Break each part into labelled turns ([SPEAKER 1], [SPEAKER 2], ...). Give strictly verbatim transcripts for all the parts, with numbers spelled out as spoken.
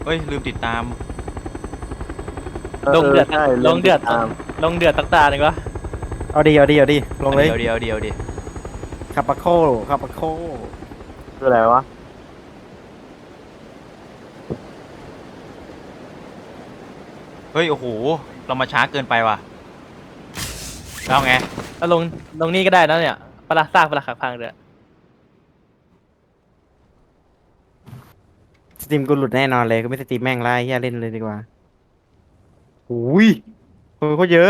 [SPEAKER 1] เฮ้ยลืมติดตาม
[SPEAKER 2] ลงเดือดลงเดือด
[SPEAKER 3] ตาม
[SPEAKER 2] ลงเดือดตักตาหนึ่งวะ
[SPEAKER 4] เอาดีเอาดีเอาดีลงเลย
[SPEAKER 1] เดียวเดียวเดียวดิ
[SPEAKER 4] คาปาโคคาปาโค
[SPEAKER 3] คืออะไรวะ
[SPEAKER 1] เฮ้ยโอ้โหเรามาช้าเกินไปว่ะเอาไง
[SPEAKER 2] แล้วลงลงนี่ก็ได้นะเนี่ยปลาซากปลาขักพังเดือด
[SPEAKER 4] สตรีมกูหลุดแน่นอนเลยก็ไม่สตรีมแม่งไล่เฮียเล่นเลยดีกว่าอุ้ยคนเขาเยอะ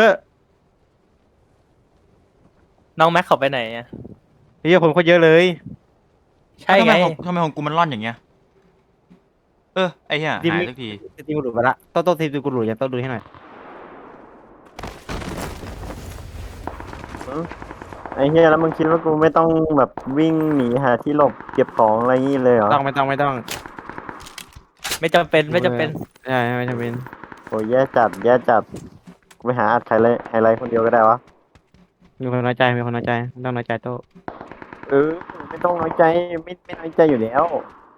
[SPEAKER 2] น้องแม็กเขาไปไหนอ่ะ
[SPEAKER 4] เฮียคนเขาเยอะเลย
[SPEAKER 2] ใช่ไง
[SPEAKER 1] ทำมของทำไมของกูมันร่อนอย่างเงี้ยเออไอ้เหี้ยหายสักที
[SPEAKER 4] สตรีมกูหลุดไปละโต้โต้สตรีมกูหลุดยังโต้ดูให้หน่อย
[SPEAKER 3] ไอ้เฮียแล้วมึงคิดว่ากูไม่ต้องแบบวิ่งหนีหาที่หลบเก็บของอะไรงี้เลยเหรอ
[SPEAKER 4] ต้องไม่ต้องไม่ต้อง
[SPEAKER 2] ไม่จำเป็นไม่จำเป็น
[SPEAKER 4] ใช่ไม่จำเป็น
[SPEAKER 3] โอ้ยแย่จัดแย่จัดกูไปหาอัดใครเลยไฮไลท์คนเดียวก็ได้วะ
[SPEAKER 4] มีคนน้อยใจมีคนน้อยใจไม่ต้องน้อยใจโต้
[SPEAKER 3] เออไม่ต้องน้อยใจไม่ไม่น้อยใจอยู่แล้ว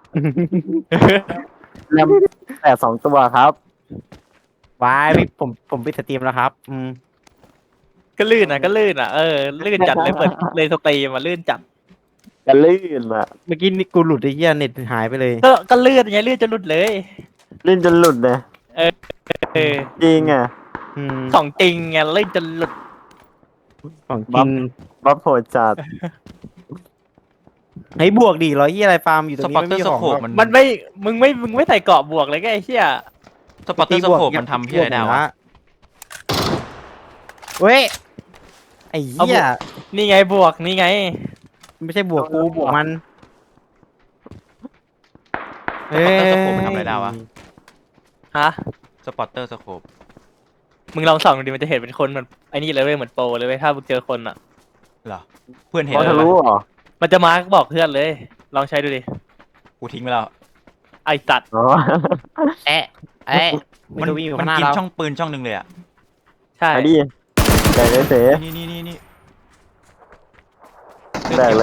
[SPEAKER 3] แรมแต่สองตัวครับ
[SPEAKER 4] วายพี่ผมผมปิดสตรีมแล้วครับอืม
[SPEAKER 2] ก็ลื่นอ่ะก็ลื่นอ่ะเออลื่นจัดเลยเปิดเลยสตรีมมาลื่นจัด
[SPEAKER 3] จะลื่นอ่ะ
[SPEAKER 4] เมื่อกี้นี่กูหลุดไอ้เหี้ยเน็ตหายไปเลย
[SPEAKER 2] ก็ก็ลื่นไงลื่นจนหลุดเลย
[SPEAKER 3] ลื่นจนหลุดเลย
[SPEAKER 2] เออ
[SPEAKER 3] จริงอ่ะ
[SPEAKER 4] อืม
[SPEAKER 2] ของจริงไงลื่นจนหลุด
[SPEAKER 4] ของจริง
[SPEAKER 3] บัฟโหดจัด
[SPEAKER 4] ให้บวกดิร้อยยี่อะไรฟาร์มอยู่ตร
[SPEAKER 1] ส
[SPEAKER 4] ง
[SPEAKER 1] ปอ
[SPEAKER 4] นี้
[SPEAKER 1] ตเตอ
[SPEAKER 4] ไม่
[SPEAKER 1] ร์
[SPEAKER 4] มี
[SPEAKER 1] ส
[SPEAKER 4] ของ
[SPEAKER 1] โคป
[SPEAKER 4] หรอก
[SPEAKER 1] มัน
[SPEAKER 2] มันไม่มึงไม่มึงไม่ใส่เกราะบวกเลยไงไอ้เหี้ย
[SPEAKER 1] สปอตเตอร์สโคปมันทำที่อะไรได้วะ
[SPEAKER 4] เว้ยไอ้เหี้ย
[SPEAKER 2] นี่ไงบวกนี่ไง
[SPEAKER 4] ไม่ใช่บวกกูบวกมัน
[SPEAKER 1] สปอตเตอร์สโคปมันทำอะไรได้วะ
[SPEAKER 2] ฮะ
[SPEAKER 1] สปอตเตอร์สโคป
[SPEAKER 2] มึงลองส่องดูดิมันจะเห็นเป็นคนเหมือนไอ้นี่เลยเว้ยเหมือนโปรเลยเว้ยถ้ามึงเจอคนอ่ะ
[SPEAKER 1] เหรอเพื่อนเห็น
[SPEAKER 3] เขา
[SPEAKER 1] เล
[SPEAKER 3] ทะ
[SPEAKER 1] ย
[SPEAKER 3] ลุ
[SPEAKER 1] วะ
[SPEAKER 3] เหรอ
[SPEAKER 2] มันจะมาร์กบอกเพื่อนเลย ลองใช้ดูดิ
[SPEAKER 1] กูทิ้งไปแล้ว
[SPEAKER 2] ไอสัตว์
[SPEAKER 3] อ๋อ
[SPEAKER 4] แอะแอะ
[SPEAKER 1] มัน
[SPEAKER 4] จะวิ่งอยู่
[SPEAKER 1] มั
[SPEAKER 4] ข้าน งหน้า
[SPEAKER 1] กิน
[SPEAKER 4] เรา
[SPEAKER 1] ช่องปืนช่องหนึ่งเลยอ่ะ
[SPEAKER 2] ใช่
[SPEAKER 3] ไปดิแดกเลยเส
[SPEAKER 1] นี่นี่นี่นี่
[SPEAKER 3] แดกเลย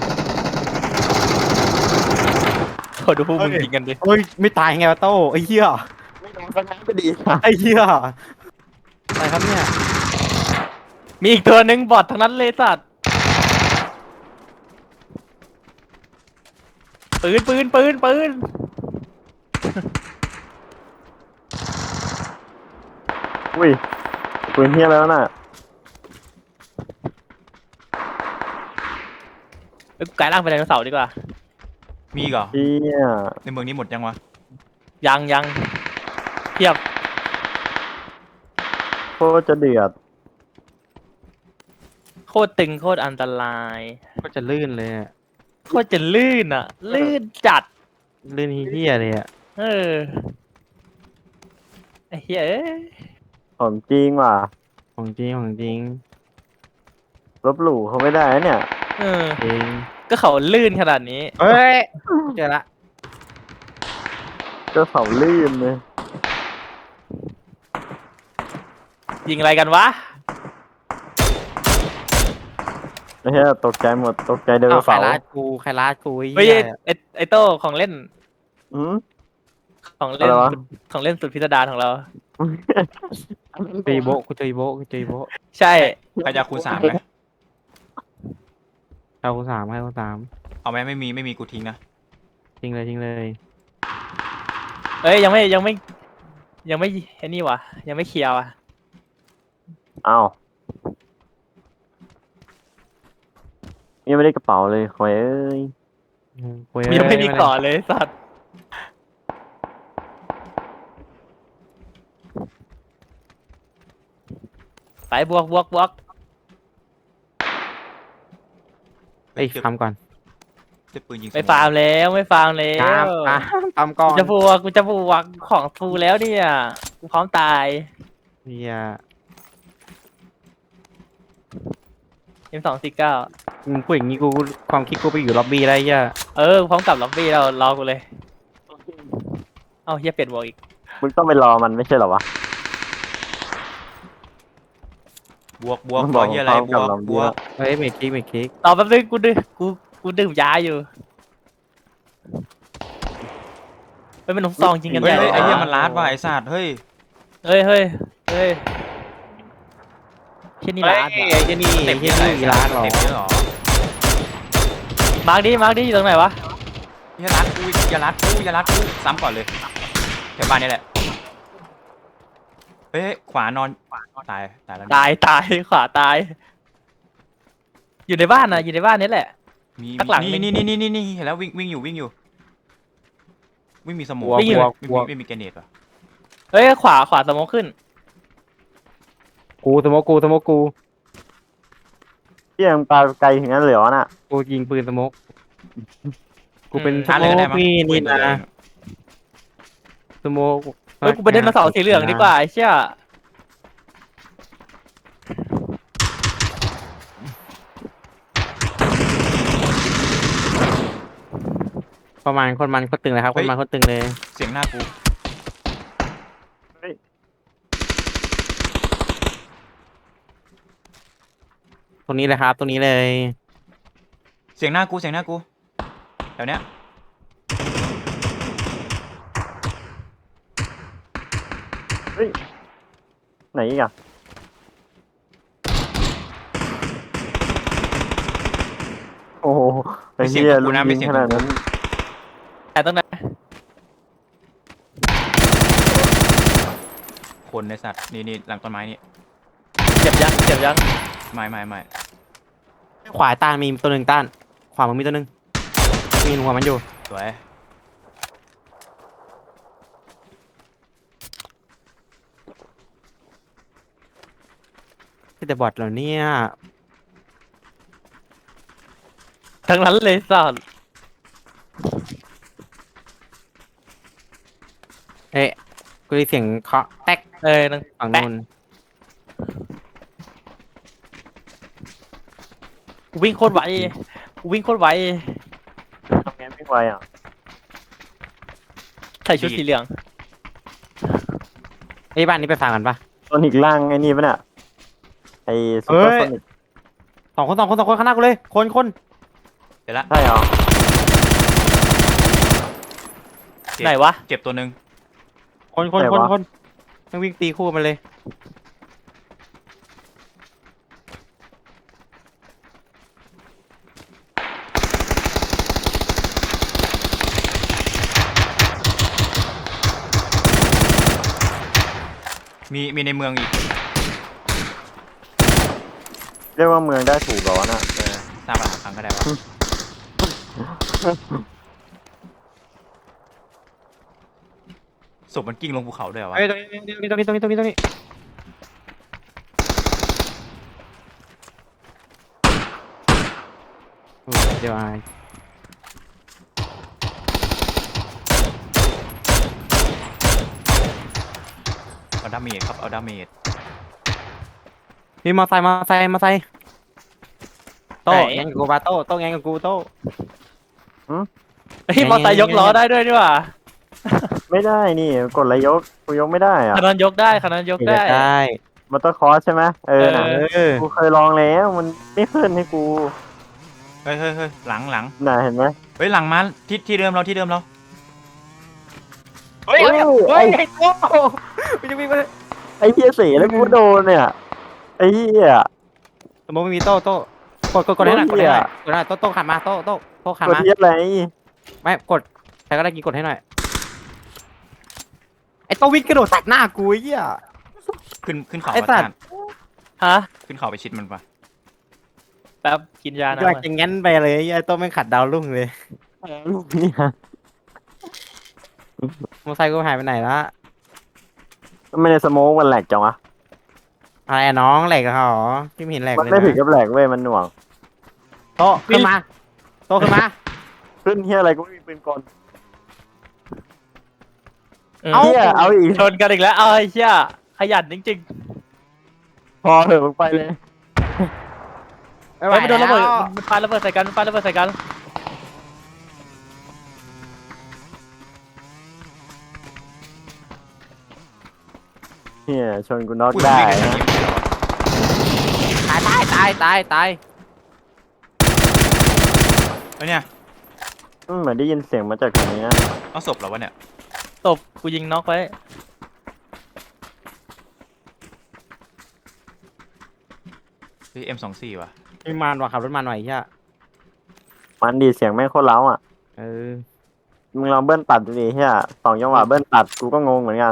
[SPEAKER 2] ขอดูพวกมึงยิงกันดิ
[SPEAKER 4] เฮ้ยไม่ตายไงวะโต้ไอ้เหี้ย
[SPEAKER 3] ไม่โดนก็งั้นไปดี
[SPEAKER 4] ไอ้เหี้ยอะไรครับเนี่ย
[SPEAKER 2] มีอีกตัวหนึ่งบอททั้งนั้นเลยสัตว์ปืนปืนปืนปืน
[SPEAKER 3] อุ้ยปืนเฮียแล้วน่ะ
[SPEAKER 2] เอ้ยกูกลายร่างเป็นไดโนเสาร์ดีกว่า
[SPEAKER 1] มีอีกเหรอ
[SPEAKER 3] เฮีย
[SPEAKER 1] ในเมืองนี้หมดยังวะ
[SPEAKER 2] ยังยังเทียบ
[SPEAKER 3] โคตรจะเดือด
[SPEAKER 2] โคตรตึงโคตรอันตราย
[SPEAKER 4] ก็จะลื่นเลยอะ
[SPEAKER 2] โคตรจะลื่นอ่ะ ลื่นจัด
[SPEAKER 4] ลื่นเหี้ยเลยอะ
[SPEAKER 2] เออไอ้เหี้ยเอ้ย
[SPEAKER 3] ของจริงว่ะ
[SPEAKER 4] ของจริงของจริง
[SPEAKER 3] ลบหลู่เขาไม่ได้นะเนี่ย
[SPEAKER 2] เออ
[SPEAKER 4] จริง
[SPEAKER 2] ก็เขาลื่นขนาดนี้
[SPEAKER 4] เฮ้ยเจอละ
[SPEAKER 3] ก็เขาลื่นเลย
[SPEAKER 2] ยิงอะไรกันวะ
[SPEAKER 3] ไอ้เฮียตกใจหมดตกใจเดิน
[SPEAKER 4] เอาใคร
[SPEAKER 3] เสา
[SPEAKER 4] ลาดกูใครลาดกูไอ้
[SPEAKER 2] เฮ้ย
[SPEAKER 4] เหี้ย
[SPEAKER 2] ไอ้ไอ้โต้ของเล่น
[SPEAKER 3] อืม
[SPEAKER 2] ของเล่น
[SPEAKER 3] อะไรวะ
[SPEAKER 2] สุดของเล่นสุดพิสดารของเรา
[SPEAKER 4] เจออีโบะกูเจออีโบะกูเจออีโบะ
[SPEAKER 2] ใช่
[SPEAKER 1] ใครจะคูณสามไหม
[SPEAKER 4] เอากูสามให้กูสาม
[SPEAKER 1] เอาไหมไม่มีไม่มีกูทิ้งนะ
[SPEAKER 4] จริงเลยจริงเลย
[SPEAKER 2] เอ้ยยังไม่ยังไม่ ยังไม่ไอ้นี่วะยังไม่เคลียร์วะ
[SPEAKER 3] อ้าวยังไม่ได้กระเป๋าเลยคอยเอ้ย
[SPEAKER 4] เว้ย
[SPEAKER 2] ยังไม่มีก่อนเลยสัตว์ไปบวกบวกบวก
[SPEAKER 4] ไอ้ยคำก่อน
[SPEAKER 1] เจ็บปืนยิง
[SPEAKER 2] ไม่ฟาร์มแล้วไม่ฟาร์มแล้
[SPEAKER 4] ครับ
[SPEAKER 2] ว
[SPEAKER 4] อ่ะคำก่อ
[SPEAKER 2] กู
[SPEAKER 4] น
[SPEAKER 2] จะบวกกูจะบวกของฟูแล้วเนี่ยกูพร้อมตาย
[SPEAKER 4] เฮีย
[SPEAKER 2] เอ็มสองสี่เก้า
[SPEAKER 4] มึงพูดอย่างงี้กูความคิดกูไปอยู่ล็อบบี้ได้เฮีย
[SPEAKER 2] เออพร้อมกลับล็อบบี้เรารอกูเลยเอ้าเฮียเปลี่ยนบวกอีก
[SPEAKER 3] มึงต้องไปรอมันไม่ใช่เหรอวะ
[SPEAKER 1] บวกบวก
[SPEAKER 3] มัน
[SPEAKER 1] บบ อ
[SPEAKER 3] อก ก
[SPEAKER 1] เฮียอะไร
[SPEAKER 3] พร้อม
[SPEAKER 1] บ
[SPEAKER 3] กับ
[SPEAKER 1] วก
[SPEAKER 3] เรา
[SPEAKER 1] บวก
[SPEAKER 4] เฮ้ยเมคคิกเมคคิก
[SPEAKER 2] ต่อแป๊บนึงกูดื่มกูกูดื่มยาอยู่เฮ้ยมันหนุ่มซองจริงกัน
[SPEAKER 1] เฮ้ย
[SPEAKER 2] ใหญ่
[SPEAKER 1] เฮ้ยไอ้
[SPEAKER 2] ล
[SPEAKER 1] เหี้ยมันลาดว่ะไอ้สัตว์เฮ้ย
[SPEAKER 2] เฮ้ยเฮ้ยเฮ้ยเช่นนี้
[SPEAKER 4] เฮ้ย
[SPEAKER 2] ร้าน
[SPEAKER 4] ไอ้เจนี่
[SPEAKER 1] เต็
[SPEAKER 4] เจ
[SPEAKER 1] ม
[SPEAKER 4] นี่
[SPEAKER 1] เยอะ
[SPEAKER 4] อีร้านเหรอ
[SPEAKER 1] เต็มเยอะเหรอ
[SPEAKER 2] มาร์กดิมาร์กดิอยู่ตรงไหนวะ
[SPEAKER 1] อย่ารัดกูอย่ารัดกูอย่ารัดกูซ้ำก่อนเลยแถวบ้านนี่แหละเฮ้ยขวานอนตายตายแล้ว
[SPEAKER 2] ตายตายขวาตาย อยู่ในบ้านนะอยู่ในบ้านนี้แหละ
[SPEAKER 1] มี
[SPEAKER 2] ข้างหลัง
[SPEAKER 1] นี่นี่นี่นี่นี่เห็นแล้ววิ่งวิ่งอยู่วิ่งอยู่วิ่งมีสมอง
[SPEAKER 2] วิ่งอยู่
[SPEAKER 1] ไม่มีไม่มีแกรเนตป่ะ
[SPEAKER 2] เฮ้ยขวาขวาสโมองขึ้น
[SPEAKER 4] กูสโมกกูสโมกกู
[SPEAKER 3] เฮียมึงปาไกลถึงนั้นเลยเหรอน่ะ
[SPEAKER 4] กูยิงปืนสโมกกูเป็น
[SPEAKER 2] อืม
[SPEAKER 4] ส
[SPEAKER 1] ชาร์จ
[SPEAKER 4] โม
[SPEAKER 1] เลยก็ได้
[SPEAKER 4] ก
[SPEAKER 1] มั้ง
[SPEAKER 4] นี่นี่
[SPEAKER 1] ปื
[SPEAKER 4] นะสโมก
[SPEAKER 2] เฮ้ยกูไปเดินมาเสาสีเหลืองดีกว่าไอ้เชี่ย
[SPEAKER 4] ประมาณคนมันคนตึงเลยครับคนมันคนตึงเลย
[SPEAKER 1] เสียงหน้ากู
[SPEAKER 4] ตรงนี้เลยครับตรงนี้เลย
[SPEAKER 1] เสียงหน้ากูเสียงหน้ากูแถวเนี้ย
[SPEAKER 3] ไหนอีกอะโอ้โหไอ้เฮียลุงยิงขนาดนั้น
[SPEAKER 2] แต่ตรงไหน
[SPEAKER 1] คนในสัตว์นี่นี่หลังต้นไม้นี่
[SPEAKER 2] เจ็บยังเจ็บยัง
[SPEAKER 1] ไม่ไม่ไม่
[SPEAKER 4] ขวาต้านมีตัวหนึ่งต้านขวามันมีตัวหนึ่งมีหัวมันอยู่
[SPEAKER 1] สวย
[SPEAKER 4] แต่บอทเหรอเนี่ย
[SPEAKER 2] ทั้งนั้นเลยสัส
[SPEAKER 4] เอ๊ะกูได้เสียงเคาะแตก
[SPEAKER 2] เอ้ยนั่ง
[SPEAKER 4] ฝั่ง
[SPEAKER 2] แปะ
[SPEAKER 4] นู้น
[SPEAKER 2] กูวิ่งโคตรไวกูวิ่งโคตรไว
[SPEAKER 3] ทำไงไม่ไหวอ่ะ
[SPEAKER 2] ใส่ชุดสีเหลือง
[SPEAKER 4] ไอ้ยบ้านนี้ไปฟังกันปะ
[SPEAKER 3] โซนิกล่างไอ้นี่ปะเนี่ยไอ้ซุปเปอร์โซนิก
[SPEAKER 4] สองคนสองคนสองคนข้างหน้ากูเลยคนคน
[SPEAKER 1] เดี๋ยวละ
[SPEAKER 3] ใช่เหรอ
[SPEAKER 1] เจ็บ
[SPEAKER 2] ไหนวะ
[SPEAKER 1] เจ็บตัวหนึ่ง
[SPEAKER 4] คนคนคนคนต้องวิ่งตีคู่มันเลย
[SPEAKER 1] มีมีในเมืองอีก
[SPEAKER 3] เรียกว่าเมืองได้ถูกเหรอน่ะ
[SPEAKER 1] เออทราบปัญหาครั้งก็ได้วะศพมันกิ้งลงภูเขาด้วยเหรอวะ
[SPEAKER 4] เฮ้ยตรงนี้ตรงนี้ตรงนี้ตรงนี้ตรงนี้โอ้เดี๋ยวอาย
[SPEAKER 1] เอาดาเมจครับเอาดาเมจ
[SPEAKER 4] มีมอไซค์มอไซค์มอไซค์โต้แงกับกูปาโต้โต้แงกับกูโต้
[SPEAKER 2] เฮ้ยมอเตอร์ยกล้อได้ด้วยนี่หว่า
[SPEAKER 3] ไม่ได้นี่กดอะไรยกกูยกไม่ได้อ่ะ
[SPEAKER 2] คันนั้นยกได้คันนั้นยกได้
[SPEAKER 4] ได้
[SPEAKER 3] มอเตอร์คอร์สใช่ไหมเออน่ะ
[SPEAKER 2] เอ
[SPEAKER 4] เออ
[SPEAKER 3] กูเคยลองแล้วมันไม่ขึ้นให้กู
[SPEAKER 1] เฮ้ยเฮ้ยเฮ้ยหลังหลัง
[SPEAKER 3] น่ะเห็นไหม
[SPEAKER 1] เฮ้ยหลังมาที่ที่เดิมเราที่เดิมเรา
[SPEAKER 4] เฮ้ย
[SPEAKER 3] เฮ้ย
[SPEAKER 4] เฮ้ยไอ้โต้มันจะวิ่งมา
[SPEAKER 3] ไอ้เฮียเสียแล้วกูโดนเนี่ยไอ้เฮีย
[SPEAKER 4] สมมติไม่มีโต้โต้กดกดกดให้หน่อยกดให้หน่อยกดให้หน่อยโต้โต้ขันมาโต้โต้โต้ขัน
[SPEAKER 3] กด
[SPEAKER 4] มา
[SPEAKER 3] เทียบอะไร
[SPEAKER 4] ไม่กดใครก็ได้กินกดให้หน่อยไอ้โต้วิ่งกระโดดตัดหน้ากูไอ้เหี้ย
[SPEAKER 1] ขึ้นขึ้นเขา
[SPEAKER 4] ไอ้
[SPEAKER 1] มา
[SPEAKER 4] สัตว์
[SPEAKER 1] ทาน
[SPEAKER 2] ฮะ
[SPEAKER 1] ขึ้นเขาไปชิดมันปะ
[SPEAKER 2] แป๊บกินยานะ
[SPEAKER 4] กำลังจะงั้นไปเลยไอ้โต้ไม่งขัดดาวรุ่งเลย
[SPEAKER 3] ลูกเนี่ย
[SPEAKER 4] มอไซค์กูหายไปไหนละ
[SPEAKER 3] ไม่ได้สโมกมันแหลกจังวะ
[SPEAKER 4] อะไรอะน้องแหลกเหรอที่ไม่เห็นแหลก
[SPEAKER 3] มัน
[SPEAKER 4] เลย
[SPEAKER 3] ไม่ถึง
[SPEAKER 4] นะ
[SPEAKER 3] กับแหลกเว้ยมันหน่วง
[SPEAKER 4] โต้ขึ้นมาโต้ขึ้นมา
[SPEAKER 3] ขึ้นเฮียอะไรกูไม่มีปืนกล
[SPEAKER 2] เออ
[SPEAKER 3] เฮียเอาอีก
[SPEAKER 2] ชนกันอีกแล้วเอ้ยเชี่ยขยันจริง
[SPEAKER 3] พอเถอะมึงไปเลย
[SPEAKER 2] ๆเฮ้ยมันโดนระเบิดมันปาระเบิดใส่กันมันปาระเบิดใส่กัน
[SPEAKER 3] เฮียชนกูน็อก
[SPEAKER 1] อุ้ย
[SPEAKER 3] ได้
[SPEAKER 1] วิ่งกันอย่าง
[SPEAKER 3] นะ
[SPEAKER 1] นี้ไม่ใช่เหรอ
[SPEAKER 4] ตายตายตายตายตาย
[SPEAKER 1] เฮ้ยเนี่ย
[SPEAKER 3] อืมเหมือนได้ยินเสียงมาจากตรงนี้นะ
[SPEAKER 1] เอาศพเหรอวะเนี่ย
[SPEAKER 2] ตบกูยิงน็อกไว้
[SPEAKER 1] เฮ้ยเอ็มสองสี่ว่ะ
[SPEAKER 4] ไม่มันว่ะขับรถมาหน่อยไอ้เฮีย
[SPEAKER 3] มันดีเสียงแม่งโคตรเล้าอ่ะ
[SPEAKER 4] เออ
[SPEAKER 3] มึงลองเบิ้ลตัดดูดิเฮียสองจังหวะเบิ้ลตัดกูก็งงเหมือนกัน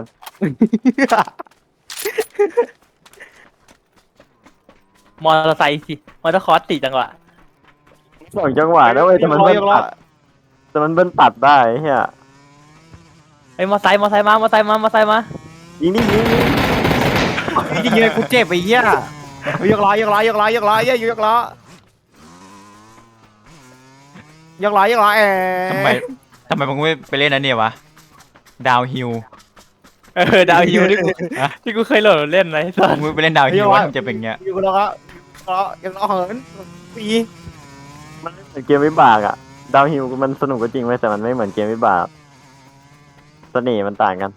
[SPEAKER 2] มอเตอร์ไซค์สิมอเตอร์คอร์สสี่จังหวะ
[SPEAKER 3] สองจังหวะนะเว้ยแต่มันเบิ้ลตัดแต่มันเบิ้ลตัดได้เฮีย
[SPEAKER 2] ไอ้ยมอเตอร์ไซค์มอเตอร์ไซค์มามอเตอร์ไซค์มามอเตอร์ไซค์มา
[SPEAKER 3] ยิงดิยิงดิ
[SPEAKER 4] จริงๆกูเจ็บไอ้เหี้ยยกล้อยกล้อยกล้อยกล้อเหี้ยยกล้อยกล้อยกล้อแอ
[SPEAKER 1] ทำไมทำไมมึงไม่ไปเล่นนั่นเนี่ยวะดาวฮิล
[SPEAKER 2] เออดาวฮิวที่กูที่กูเคยโหลดเล่นนะไอ้สัส
[SPEAKER 1] มึงไม่ไปเล่นดาวฮิลวะมันจะเป็นเงี้ย
[SPEAKER 4] ยกล้อยกล้อยกล้อเหินปี
[SPEAKER 3] มันไม่เหมือนเกมวิบากอ่ะดาวฮิลมันสนุกก็จริงไว้ยแต่มันไม่เหมือนเกมวิบากเสน่ห์มันต่างกัน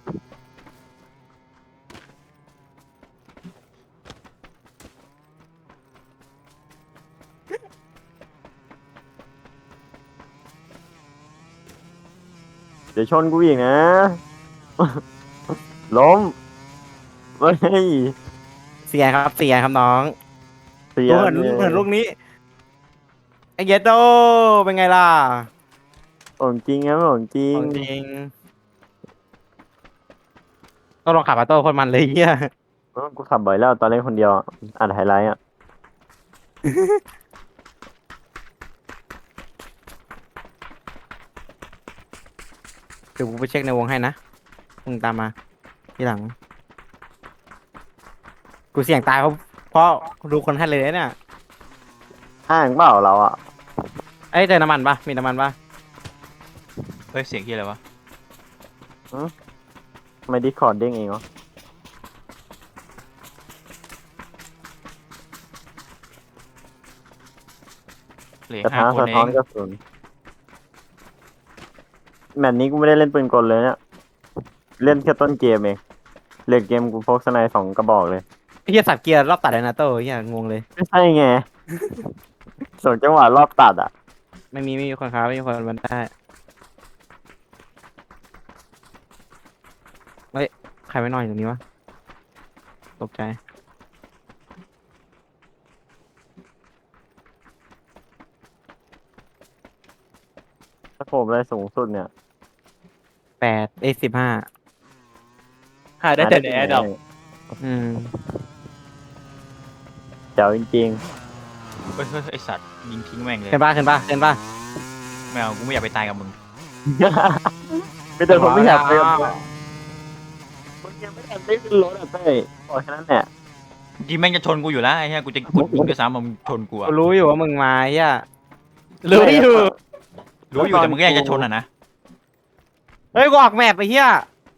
[SPEAKER 3] เดี๋ยวชนกูอีกนะ ล้มเฮ้ย
[SPEAKER 4] เสียครับเสียครับน้อง
[SPEAKER 3] เสีย
[SPEAKER 4] ดูเหินเหินลูกนี้ไอ้เยดโดเป็นไงล่ะ
[SPEAKER 3] ของจริงครับของจริง
[SPEAKER 4] ของจริงต้องลองขับมาโต้คนมันเลยเหี้ย
[SPEAKER 3] เออกูขับบ่อยแล้วตอนเล่นคนเดียวอะอ่านไฮไลท์อ่ะ
[SPEAKER 4] เดี๋ยวกูไปเช็คในวงให้นะมึงตามมาทีหลัง กูเสี่ยงตายเพราะเพราะดูคนให้เลยเนี่ย
[SPEAKER 3] อ้างเปล่าเราอ่ะ
[SPEAKER 4] เอ้ยเจอน้ำมันปะมีน้ำมันปะ
[SPEAKER 1] เฮ้ยเสียงที่อะไรวะ
[SPEAKER 3] ไม่ดิคอร์ดเด้งเองเหรอ
[SPEAKER 1] เหลือก
[SPEAKER 3] ระ
[SPEAKER 1] ห้า
[SPEAKER 3] ทะ
[SPEAKER 1] คน
[SPEAKER 3] สะ
[SPEAKER 1] เอ
[SPEAKER 3] ท้อน
[SPEAKER 1] ง
[SPEAKER 3] กระสุนแมตช์นี้กูไม่ได้เล่นปืนกลเลยเนี่ยเล่นแค่ต้นเกมเองเล่นเกมกูพกสไนด์สองกระบอกเลย
[SPEAKER 4] ไอ้เหี้ยสับเกียร์รอบตัดเลยนะโต้เหี้ยงงเลย
[SPEAKER 3] ไม่ใช่ไง ส่งจังหวะรอบตัดอ่ะ
[SPEAKER 4] ไม่มีไม่มีคนค้าไม่มีคนมันได้เฮ้ยใครไม่นอนอยู่ตรงนี้วะตกใจ
[SPEAKER 3] ถ้าผมได้สูงสุดเนี่ย
[SPEAKER 4] แปดเอ้สิบห้า
[SPEAKER 2] หาได้แต่ในแอร์ดรอป
[SPEAKER 4] อืม
[SPEAKER 3] เจ๋วจริง
[SPEAKER 1] เฮ้ยเฮ้ยไอสัตว์ยิงทิ้งแม่งเลย
[SPEAKER 4] ขึ้นป่ะขึ้นป่ะขึ้นป่ะ
[SPEAKER 1] ไม่เอากูไม่อยากไปตายกับมึง
[SPEAKER 3] ๆ ไม่แต่ผมไม่อยากไปกับมึงมึงยังไม่ทันได้ขึ้นรถอ่ะเต้ยบอกแค่นั้นแหละ
[SPEAKER 1] ยิงแม่งจะชนกูอยู่แล้วไอ้เหี้ยกูจะกดยิงด้วยซ้ำมึงชนกูอะ
[SPEAKER 4] กูรู้อยู่ว่ามึงมาเหี้ย
[SPEAKER 2] รู้อยู่
[SPEAKER 1] รู้อยู่แต่มึงก็ยังจะชนอ่ะนะ
[SPEAKER 4] เฮ้ยกูออกแมปไปเหี้ย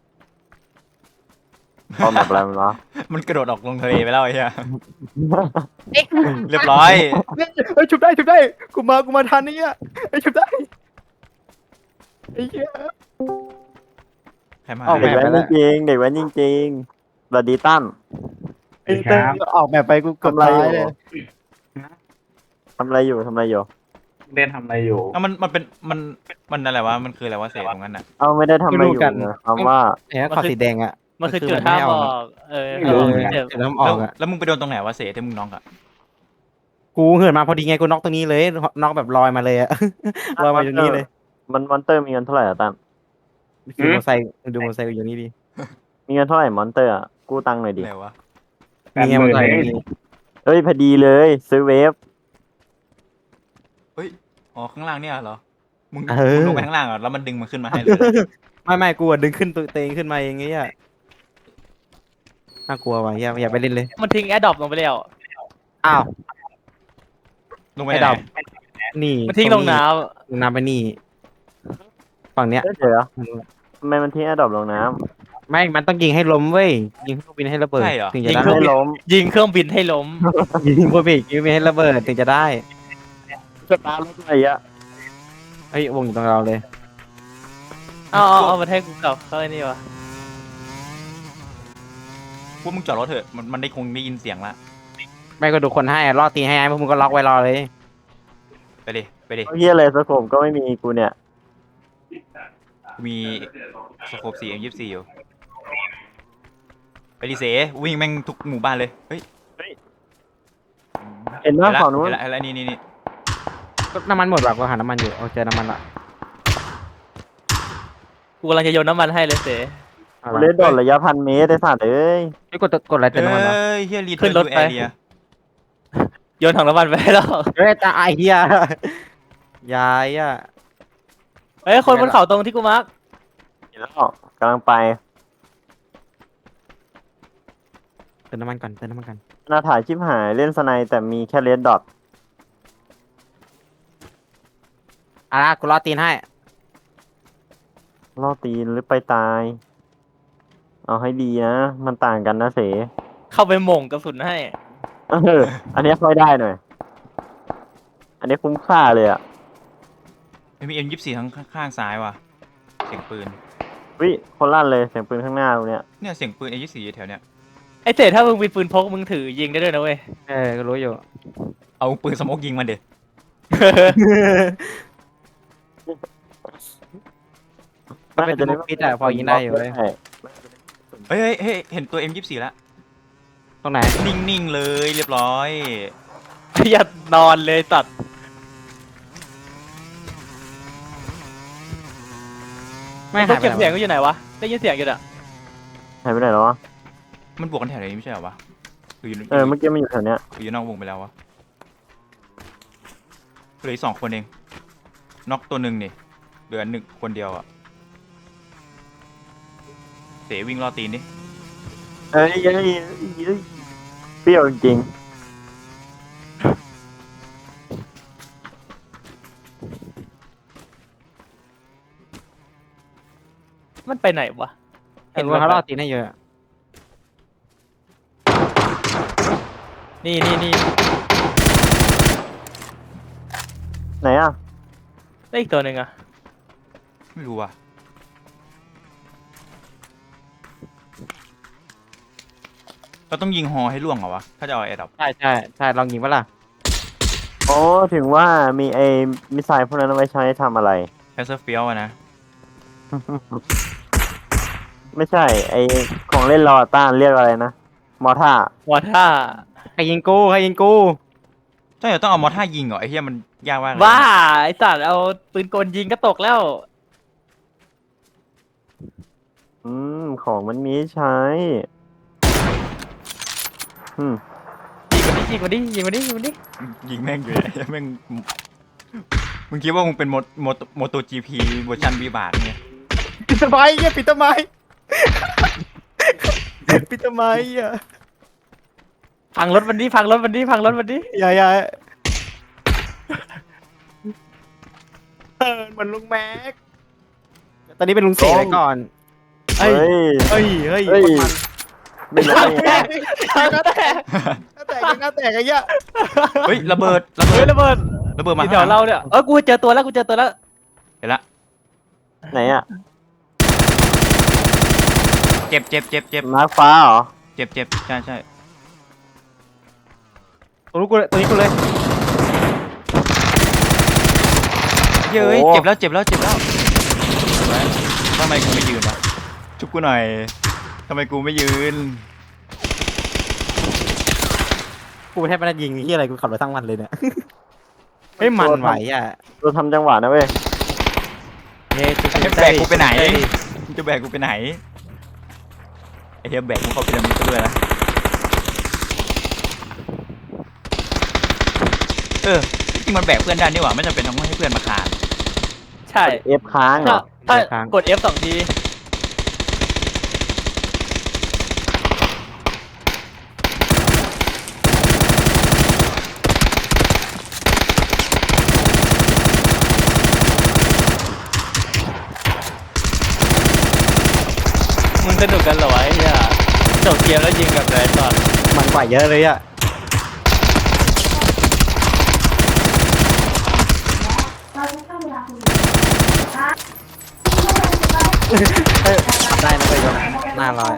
[SPEAKER 3] เอาแบบอะไรมันวะ
[SPEAKER 1] มันกระโดดออกลงทะเลไปแล้วไอ้เหี้ยเรียบร้อย
[SPEAKER 4] เฮ้ยชุบได้ชุบได้กูมากูมาทันนี่อ่ะเฮ้ยชุบได้ไอ้เหี้ย
[SPEAKER 1] ใครมา
[SPEAKER 4] ออก
[SPEAKER 3] เด็ก
[SPEAKER 4] แบบ
[SPEAKER 3] แว้นจริงๆเด็กแว้นจริงๆสวัสดีตั้ม
[SPEAKER 4] ไอ้เต้ยออกแบบไปกูกด
[SPEAKER 3] ทำอะไร
[SPEAKER 4] ตาย
[SPEAKER 3] อยู่
[SPEAKER 4] เลย
[SPEAKER 3] ทำอะไรอยู่ทำอะไรอยู่
[SPEAKER 5] เล่นทำอะไรอยู่
[SPEAKER 1] อ่ะมันมันเป็นมันมันอะไรวะมันคืออะไรวะเศษตรงนั้นอ่ะ
[SPEAKER 3] เอาไม่ได้ทำอะไรอยู่นะคำว่า
[SPEAKER 4] ไอ้ขอสีแดงอ่ะ
[SPEAKER 2] มันคือจุดห้ามบอกเออ
[SPEAKER 5] ไม่รู้
[SPEAKER 2] เออ
[SPEAKER 5] เหมือนกัน
[SPEAKER 2] เจ็บ
[SPEAKER 4] เดี๋ยวน้ำอ
[SPEAKER 1] แล้
[SPEAKER 4] อ
[SPEAKER 1] ว
[SPEAKER 4] กอ่ะ
[SPEAKER 1] แล้วมึงไปโดนตรงไหนวะเศษที่มึงน้องอ่ะ
[SPEAKER 4] กูเหินมาพอดีไงกูน็อกตรงนี้เลยน็อกแบบลอยมาเลยอ่ะ ลอยมาอยู่นี่เลย
[SPEAKER 3] มันมอนเตอร์มีเงินเท่าไหร่อะตั้ม
[SPEAKER 4] ดูมอเตอร์ไซค์ดูมอเตอร์ไซค์อยู่นี่ดิ
[SPEAKER 3] มีเงินเท่าไหร่มอนเตอร์อะกู้ตังค์หน่อยดิ
[SPEAKER 1] ไหนวะ
[SPEAKER 5] แปด
[SPEAKER 4] มี
[SPEAKER 5] ห
[SPEAKER 4] ไงมอ
[SPEAKER 5] มื่
[SPEAKER 4] เตอน ร์ไซ
[SPEAKER 5] เอ
[SPEAKER 4] ค์
[SPEAKER 5] ง
[SPEAKER 4] มี
[SPEAKER 3] เฮ้ยพอดีเลย ซื้อเวฟ
[SPEAKER 1] เฮ้ยอ๋อข้างล่างเนี่ยเหรอมึง
[SPEAKER 4] เอ
[SPEAKER 1] มึง
[SPEAKER 4] อ
[SPEAKER 1] ลงไปข้างล่างเหรอแล้วมันดึงมันขึ้นมาให้เลย
[SPEAKER 4] ไม่ไม่กูอะดึงขึ้นตัวเองขึ้นมาเองไงอ่ะน่ากลัวว่ะอย่าอย่าไปเล่นเลย
[SPEAKER 2] มันทิ้งแอร์ดรอปลงไปแล้ว
[SPEAKER 4] อ้าว
[SPEAKER 1] ลงไป
[SPEAKER 4] ไอ้
[SPEAKER 1] ไหน
[SPEAKER 4] ดอกนี่
[SPEAKER 2] มันทิ้งลงน้
[SPEAKER 4] ลงน้ำไปนี่ฝั่งเนี้ย
[SPEAKER 3] เดี๋ยวทำไมมันทิ้งแอร์ดรอปลงน้
[SPEAKER 4] ไม่มันต้องยิงให้ล้มเว้ยยิงเครื่องบินให้ระเบิดถึง
[SPEAKER 3] ำ
[SPEAKER 4] จะ
[SPEAKER 3] ทิ้ง
[SPEAKER 4] ได้
[SPEAKER 3] ให้ล้ม
[SPEAKER 2] ำยิงเครื่องบินให้ล้ม
[SPEAKER 4] ยิงเครื่องบินยิงเครื่องบินให้ระเบิดถึงจะได้
[SPEAKER 3] สตาร์ทรถอะไรอะ
[SPEAKER 4] เฮ้ยวงอยู่ตรงเราเลย
[SPEAKER 2] เอาเอาเอามาให้กูกลับเข้าไอ้นี่วะ
[SPEAKER 1] พวกมึงจอดรถเถอะมันมันได้คงได้ยินเสียงละ
[SPEAKER 4] ไม่ก็ดูคนให้อะล่อตีให้ไอ้พวกมึงก็ล็อกไว้รอเลย
[SPEAKER 1] ไปดิไปดิ
[SPEAKER 3] เฮียอะไรสโคมก็ไม่มีกูเนี่ย
[SPEAKER 1] มีสโคปสี่เอ็มยี่สิบสี่อยู่ไปดิเสวิ่งแม่งทุกหมู่บ้านเลยเฮ้ย
[SPEAKER 3] เห็นไหม
[SPEAKER 1] เห็นละ
[SPEAKER 3] ฝั่งนู้น
[SPEAKER 1] เห็นละเห็นละนี่นี่นี่
[SPEAKER 4] ก็น้ำมันหมดว่ะกูหาน้ำมันอยู่เอาเจอน้ำมันละ
[SPEAKER 2] กูกำลังจะโยนน้ำมันให้เลยเส
[SPEAKER 4] เอา
[SPEAKER 3] กู
[SPEAKER 4] ละ
[SPEAKER 3] เล่นโดดระยะพันเมตรได้สัตว์เอ้ย
[SPEAKER 4] ไอ้ยกดตัวกดอะไรเจอน้ำมันวะ
[SPEAKER 1] เอ้ยเฮียรี
[SPEAKER 2] ขึ้
[SPEAKER 1] เทิร์
[SPEAKER 2] น
[SPEAKER 1] น
[SPEAKER 2] ร
[SPEAKER 1] ทู
[SPEAKER 2] ถ
[SPEAKER 1] แอ
[SPEAKER 2] ไป
[SPEAKER 1] เรีย
[SPEAKER 2] โยนถังน้ำมันไปให้แล้ว
[SPEAKER 4] เฮ้ยตาไอเฮียยายอ่ะ
[SPEAKER 2] เฮ้ยคนบนเขาตรงที่กูมาร์ก
[SPEAKER 3] เห็นแล้วกำลังไป
[SPEAKER 4] เติมน้ำมันก่อนเติมน้ำมันก่อน
[SPEAKER 3] หน้าถ่ายชิบหายเล่นสไนแต่มีแค่เลดดอท
[SPEAKER 4] อ่ะนะกูรอตีนให้
[SPEAKER 3] ล่อตีนหรือไปตาย เอาให้ดีนะ มันต่างกันนะเส
[SPEAKER 2] เข้าไปหม่งกระสุนให้
[SPEAKER 3] เอออันนี้ค่อยได้หน่อย อันนี้คุ้มค่าเลยอ่ะ
[SPEAKER 1] ไม่มีเอ็มยี่สิบสี่ทั้งข้างซ้ายว่ะเสียงปืน
[SPEAKER 3] วิคนลั่นเลยเสียงปืนข้างหน้าตรงเนี้ย
[SPEAKER 1] เนี่ยเสียงปืนเอ็มยี่สิบสี่แถวเนี้ย
[SPEAKER 2] ไอเสถ้ามึงมีปืนพกมึงถือยิงได้ด้วยนะเว้ย
[SPEAKER 4] เออก็รู้อยู่
[SPEAKER 1] เอาปืนสโมกยิงมันเด็ด
[SPEAKER 4] มันเป็นสโมกพิษอะพอยิงได้อยู่เว้ย
[SPEAKER 3] ใช่
[SPEAKER 1] เฮ้ยเฮ้ยเฮ้ยเห็นตัวเอ็มยี่สิบสี่แล้ว
[SPEAKER 4] ตรงไหน
[SPEAKER 1] นิ่งๆเลยเรียบร้อย
[SPEAKER 2] อย่านอนเลยตัด
[SPEAKER 4] ไม่
[SPEAKER 2] ต้
[SPEAKER 4] หา
[SPEAKER 2] อง
[SPEAKER 4] ยไป
[SPEAKER 2] เก็บ
[SPEAKER 4] ไหน
[SPEAKER 2] เสียง
[SPEAKER 4] วะ
[SPEAKER 2] ก็อยู่ไหนวะได้ยินเสียงอยู่อะ
[SPEAKER 3] หายไปไหนแล้ววะ
[SPEAKER 1] มันบวกกันแถวนี้ไม่ใช่เหรอวะหรืออยู่
[SPEAKER 3] เออเมื่อกี้มันอยู่แถวเนี้ย
[SPEAKER 1] หรืออยู่นอกวงไปแล้ววะเหลืออีกสองคนเองน็อกตัวหนึ่งนี่เหลือหนึ่งคนเดียวอะเสวิ่งรอตีนดิ
[SPEAKER 3] เอ้ยเอ้ยเอ้ยเอ้ยเปรี้ยวจริง
[SPEAKER 2] มันไปไหนวะ
[SPEAKER 4] เห็นว่าเขารอตีนให้เยอะ
[SPEAKER 2] นี่นี่นี่
[SPEAKER 3] ๆไหนอ่ะ
[SPEAKER 2] ได้อีกตัวหนึ่งอะ
[SPEAKER 1] ไม่รู้ว่ะเราต้องยิงฮอให้ล่วงเหรอวะถ้าจะเอาแอร์ดับ
[SPEAKER 4] ใช่ใช่ใช่ลองยิงปะล่ะ
[SPEAKER 3] โอ้ถึงว่ามีไอ้มิสไซล์พวกนั้นเอาไว้ใช้ทำอะไร
[SPEAKER 1] แคสเซอร์เฟียลอะนะ
[SPEAKER 3] ไม่ใช่ ไอ้ของเล่นรอต้านเรียกอะไรนะ มอท่าว
[SPEAKER 2] อท่า
[SPEAKER 4] ใครยิงกูใครยิงกู
[SPEAKER 1] ใช่เหรอต้องเอามอท่ายิงเหรอไอ้เหี้ยมันยากมากเลย
[SPEAKER 2] บ้าไอสัตว์เอาปืนกลยิงก็ตกแล้ว
[SPEAKER 3] อืม ของมันมีให้ใช้ อืม
[SPEAKER 2] ยิงมาดิยิงมาดิยิงมาดิยิงมาดิ
[SPEAKER 1] ยิงแม่งอยู่เลยแม่งมึงคิดว่ามึงเป็นโมโมโมโตจีพีเวอร์ชันวีบาทเนี่ย
[SPEAKER 4] ปิดทำไมเฮียปิดทำไม ปิดทำไมอ่ะ
[SPEAKER 2] พังรถมันดิพังรถมันดิพังรถมันดิ
[SPEAKER 4] อย่าอย่าเออเหมือนลุงแม็ก ตอนนี้เป็นลุงเสกไว้ก่อน
[SPEAKER 3] เฮ้ย
[SPEAKER 4] เฮ้ย เฮ้ย
[SPEAKER 3] เฮ้ย
[SPEAKER 4] คนมัน
[SPEAKER 3] ไม่รู้ได้ไง
[SPEAKER 4] ก็แตกก็แตกก็แตกไอ้เหี้ย
[SPEAKER 1] เฮ้ยระเบิดระเบิ
[SPEAKER 2] เฮ้
[SPEAKER 1] ด
[SPEAKER 2] ยระเบิด
[SPEAKER 1] ระเบิดมา
[SPEAKER 2] ที่แถวเราเนี่ยเออกูเจอตัวแล้วกูเจอตัวแล้ว
[SPEAKER 1] เห็นละ
[SPEAKER 3] ไหนอ่ะ
[SPEAKER 1] เจ็บเจ็บเจ็บเจ็บ
[SPEAKER 3] มาร์คฟ้าเหรอ
[SPEAKER 1] เจ็บเจ็บใช่ใช่
[SPEAKER 4] ตัวนี้กูเลยตัวนี้กูเลย
[SPEAKER 1] เฮ้ยเอ้ย
[SPEAKER 3] โอ้
[SPEAKER 1] เจ็บแล้วเจ็บแล้วเจ็บแล้วเห็นไหมทำไมกูไม่ยืนวะชุบกูหน่อยทำไมกูไม่ยืน
[SPEAKER 4] กูแทบไม่ได้ยิงที่อะไรกูขับรถทั้งวันเลยเนี่ย เฮ้ยมันไหวอ่ะ
[SPEAKER 3] เราทำจังหวะนะเว้ย
[SPEAKER 4] เฮ้ย
[SPEAKER 1] จะแบกกูไปไหนมึงจะแบกกูไปไหนไอ้เหี้ยแบกกูเข้าพีระมิดก็ด้วยนะเออจริงมันแบกเพื่อนได้นี่หว่าไม่จำเป็นต้องให้เพื่อนมาคาน
[SPEAKER 2] ใช่
[SPEAKER 3] เอฟค้างเหร
[SPEAKER 2] ถ้า
[SPEAKER 3] อ
[SPEAKER 2] ถ้ากด F สองทีมึงสนุกกันเหรอวะไอ้เหี้ยจบเกมแล้วยิงกับไรตอน
[SPEAKER 4] มันกว่าเยอะเลยอ่ะเฮ้ยขับได้นะไปยกหน้าลอย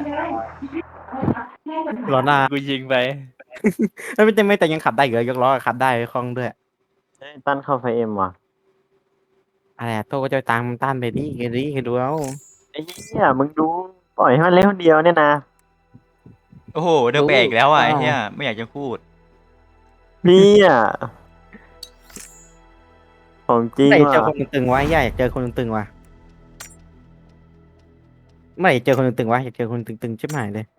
[SPEAKER 4] ล้อหน้า
[SPEAKER 2] กูยิงไป
[SPEAKER 4] ไม่เป็นไม่แต่ยังขับได้อยู่เลยยกล้อขับได้คล่องด้วย
[SPEAKER 3] เฮ้ยตั้นเข้าไฟเอ็มว่ะ
[SPEAKER 4] อะไรอะโต้ก็จะตามต้านไปดิแกดิแกดูเอา
[SPEAKER 3] ไอ้เหี้ยมึงดูปล่อยให้มันเล่นคนเดียวเนี่ยนะ
[SPEAKER 1] โอ้โหเดอะแบกอีกแล้วอ่ะไอ้เหี้ยไม่อยากจะพูด
[SPEAKER 3] พี่อ่ะของจริง
[SPEAKER 4] ไม่อยากเจอ
[SPEAKER 3] ว่ะ
[SPEAKER 4] คนตึงๆวะอยากเจอคนตึงๆวะไม่อยากเจอคนตึงๆวะอยากเจอคนตึงๆชิบหายเลย